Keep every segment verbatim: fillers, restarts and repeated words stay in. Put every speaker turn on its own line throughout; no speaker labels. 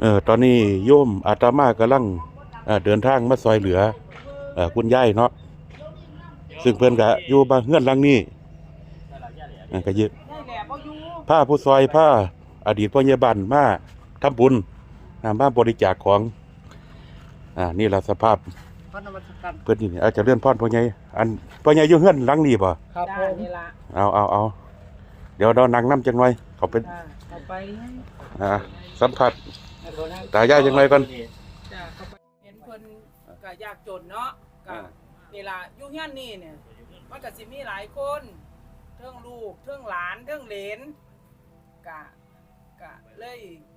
เออตอนนี้โยมอาตมากำลังเอ่อเดินทางมาซอยเหลือเอ่อคุณยายเนาะซึ่งเพิ่นก็อยู่บ้านเฮือนหลังนี้อ่าก็ยึดผ้าผู้ซอยผ้าอดีตพ่อใหญ่บ้านมาทำบุญอ่ามาบริจาคของอ่านี่ล่ะสภาพเพิ่นนี่อาจจะเลื่อนพรพ่อใหญ่อันพ่อใหญ่อยู่เฮือนหลังนี้บ่
ครับผมนี่ละ
เอาเอาเอาเดี๋ยวเรานั่งนำจังหน่อยเขาเป็น
เข้าไป
อ่าสัมผัสตายายจังไงก่อน
จ้าเข้าไปเห็นเพิ่นก็ยากจนเนาะก็นี่ล่ะอยู่เฮียนนี่เนี่ยมันก็สิมีหลายคนเทิงลูกเทิงหลานเทิงเหลนก็ก็เลย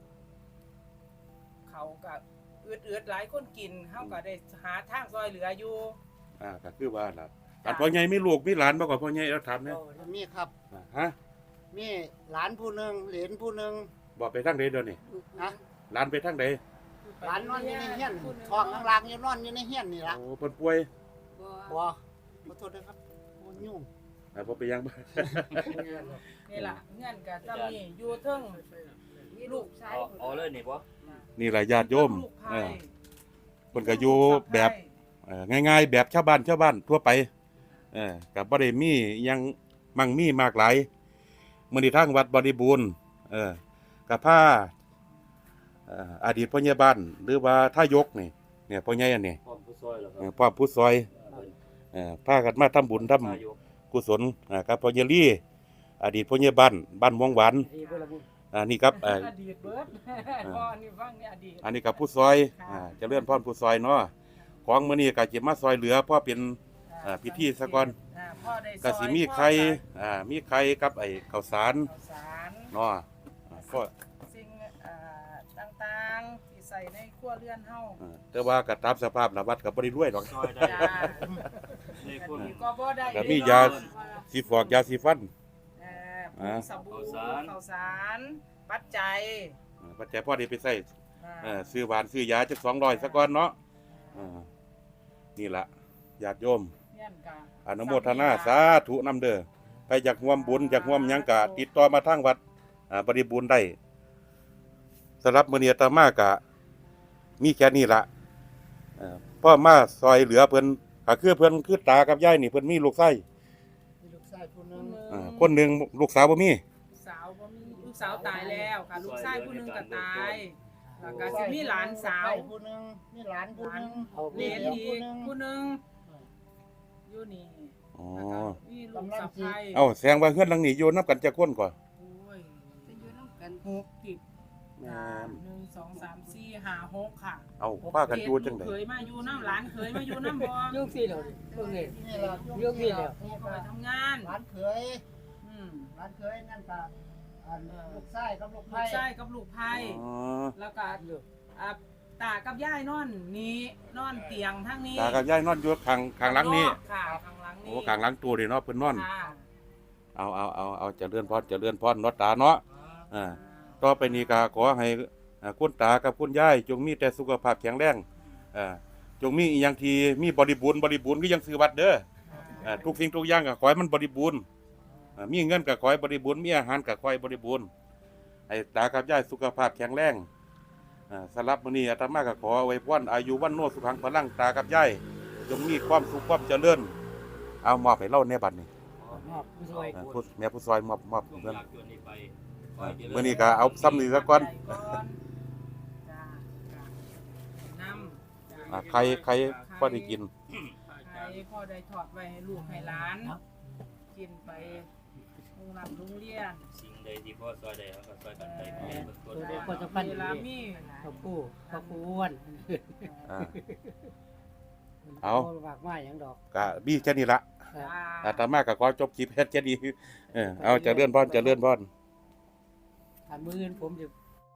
เขาก็อืดๆหลายคนกินเฮาก็ได้หาทางซอยเหลืออยู่
อ่าก็คือว่าล่ะอันพ่อใหญ่มีลูกมีหลานบ่ก็พ่อใหญ่เราถามเนี่ย
มีครับ
ฮะ
มีหลานผู้หนึ่งเหลนผู้หนึ่ง
บอกไปทางใดเดี๋ยวนี้
ฮะ
หลานไปทางใด
หลานนอนอยู่ในเฮียนท้องล่างๆอยู่นอนอยู่ในเฮียนนี่ล่ะ
โอ้เพิ่นป่วย
บ่ขอโทษนะครับโอ้ยุ่ง
อ่าบ่ไปยังบ่
นี่ล่ะเงินก็จำนี่อยู่เทิงลูกชาย
อ๋อเลยนี่บ่
นี่ล่ะญาติโยมเออเพิ่นก็อยู่แบบเอ่อง่ายๆแบบชาวบ้านชาวบ้านทั่วไปเออก็บ่ได้มีหยังมั่งมีมากหลายมื้อนี้ทางวัดบริบูรณ์เออก็พาเอ่ออดีตพ่อใหญ่บ้านหรือว่าทายกนี่เนี่ยพ่อใหญ่อันนี้
พร้อมผู้ซอยเหรอค
เอ
รับ
อพร้อมผู้ซอยเอ่อพากันมาทำบุญทำกุศลอ่ากับพ่อใหญ่ลี่อดีตพ่อใหญ่บ้านบ้านม่วงหวานอ่านี่ครับเอ่อ
อดีตเบิดพ่อนี่ฟังนี่อดีต
อันนี้กับผู้ซอยอ่าเจริญพรผู้ซอยเนาะของมื้อนี้ก็สิมาซอยเหลือเพราะเป็นอ่าพิธีซะก่อนก็สิมีไข่อ่ามีไข่กับไอ้ข้าวสารเนาะก็
สิ่งอ่าต่างๆที่ใส่ในครัวเรือนเฮา
แต่ว่าก็ตามสภาพละวัดก็บ่ได้รวยดอก
ซอยได้นี่คุณ
ก็บ่ได้
ก็มียาสีฟอกยาสีฟัน
เอ่อสบู่ข้าวสารปัจจัย
ปัจจัยพอได้ไปใช้เอ่อซื้อหวานซื้อยาจักสองร้อยซะก่อนเนาะอ่านี่ล่ะญาติโยมอนุโมทนาสาธุนำเด้อไปอยากร่วมบุญอยากร่วมหยังก็ติดต่อมาทางวัดอ่าบริบูรณ์ได้สำหรับมื้อนี้อาตมาก็มีแค่นี้ล่ะเอ่อพ่อมาซอยเหลือเพิ่นก็คือเพิ่นคือตากับยายนี่เพิ่นมีลูกชาย
มีลูกชายผู้นึง
อ่าคนนึงลูกสาวบ่มี
สาวบ่มีลูกสาวตายแล้วค่ะลูกชายผู้นึงก็ตายแล้วก็สิมีหลานสาว
ผู้นึงมีหลานผู้นึง
เหลนอีกผู้นึงอยู่นี่
อ๋อ
มีลูกสะใภ้
เอ้าแสดงว่าเฮือนหลังนี้อยู่นำกันจักคนก่อน
โอ้ยจะอยู่นำกันหกสิบแม่นหนึ่ง สอง สาม สี่ ห้า หกค่ะ
เอ้าพากันอยู่จังได๋
เคยมาอยู่นำหลานเคยมาอยู่นำบ่
อยู่ซี่แล้วเบิ่งนี่นี่ล่ะอยู่ซี่แล้ว
ไปทำงาน
หลานเคยอืมหลานเคยนั่นก็อันลูกชายกับลูกไผ
ลูกชายกับลูกไผอ๋อแล้วก็อ่าตากับยายนอนนี่นอนเตียงทางนี้
ตากับยายนอนอยู่ข้างข้างหลังนี้
ค่ะข้างหลังนี้
โอ้ข้างหลังตู้นี่เนาะเพิ่นนอนเอาเอาเอาเอาเจริญพรเจริญพรเนาะตาเนาะอ่าต่อไปนี้ก็ขอให้คุณตากับคุณยายจงมีแต่สุขภาพแข็งแรงอ่าจงมีอีหยังที่มีบริบูรณ์บริบูรณ์คือยังซื้อวัดเด้ออ่าทุกสิ่งทุกอย่างก็ขอให้มันบริบูรณ์อ่ามีเงินก็ขอให้บริบูรณ์มีอาหารก็ขอให้บริบูรณ์ให้ตากับยายสุขภาพแข็งแรงอ่าสำหรับมื้อนี้อาตมาก็ขออวยพรอายุวันโนสุขังพลังตากับยายจงมีความสุขความเจริญเอามอบให้เราในบัดนี้
มอบผู้ซอย
ผู้แม่ผู้ซอยมอบมอบเพิ่นมื้อนี้ก็เอาซ้ำนี่ซะก่อนอ่าใครใครพอได้กิน
ใครพอได้ทอดไว้ให้ลูกให้หลานกินไปโรงรับโรงเรียน
สิ่งใดที่พ่อซอยได้เฮาก็ซอยกันไปเ
พิ่นบ่คนจะพันเวลามีข้าวคู่ข้าวคู่อ้วน
อ่าเอา
ฝากมาหยังดอก
ก็มีแค่นี้ล่ะอาตมาก็ขอจบคลิปแค่นี้เออเอาเจริญพรเจริญพร
ถ้ามื้ออื่นผมจะ